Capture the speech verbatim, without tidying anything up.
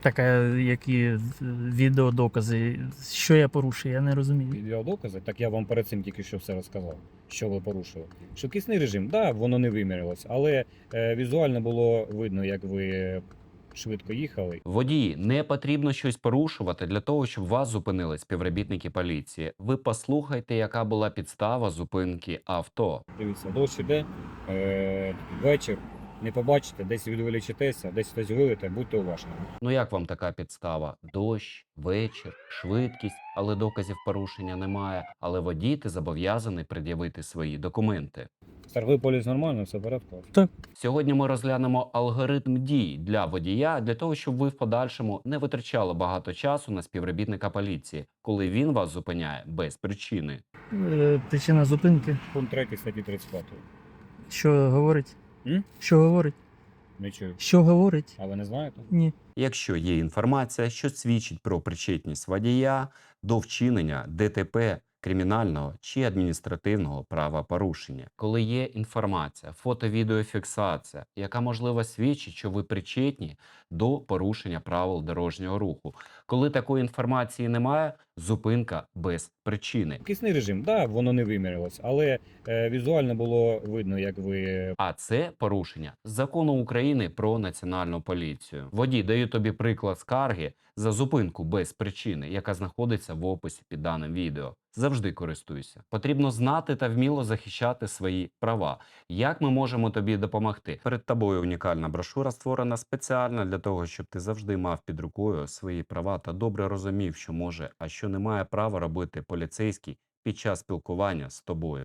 Так, а які відеодокази? Що я порушую, я не розумію. Відеодокази, так я вам перед цим тільки що все розказав, що ви порушили. Швидкісний режим, так, да, воно не вимірялось, але е, візуально було видно, як ви швидко їхали. Водії, не потрібно щось порушувати для того, щоб вас зупинили співробітники поліції. Ви послухайте, яка була підстава зупинки авто. Дивіться, дощ іде, е, вечір, не побачите, десь відволічитеся, десь хтось вилите, будьте уважні. Ну як вам така підстава? Дощ, вечір, швидкість, але доказів порушення немає. Але водій ти зобов'язаний пред'явити свої документи. Старовий поліс нормально, все в порядку? Сьогодні ми розглянемо алгоритм дій для водія, для того, щоб ви в подальшому не витрачали багато часу на співробітника поліції, коли він вас зупиняє без причини. Е, Причина зупинки. Пункт третій статті тридцять п'ять. Що говорить? М? Що говорить? Не чую. Що говорить? А ви не знаєте? Ні. Якщо є інформація, що свідчить про причетність водія до вчинення ДТП, кримінального чи адміністративного правопорушення. Коли є інформація, фото-відеофіксація, яка можливо свідчить, що ви причетні до порушення правил дорожнього руху. Коли такої інформації немає, зупинка без причини. Швидкісний режим, так, да, воно не вимірялось, але е, візуально було видно, як ви А це порушення закону України про національну поліцію. Водій, даю тобі приклад скарги за зупинку без причини, яка знаходиться в описі під даним відео. Завжди користуйся. Потрібно знати та вміло захищати свої права. Як ми можемо тобі допомогти? Перед тобою унікальна брошура, створена спеціально для того, щоб ти завжди мав під рукою свої права та добре розумів, що може, а що не має права робити поліцейський під час спілкування з тобою.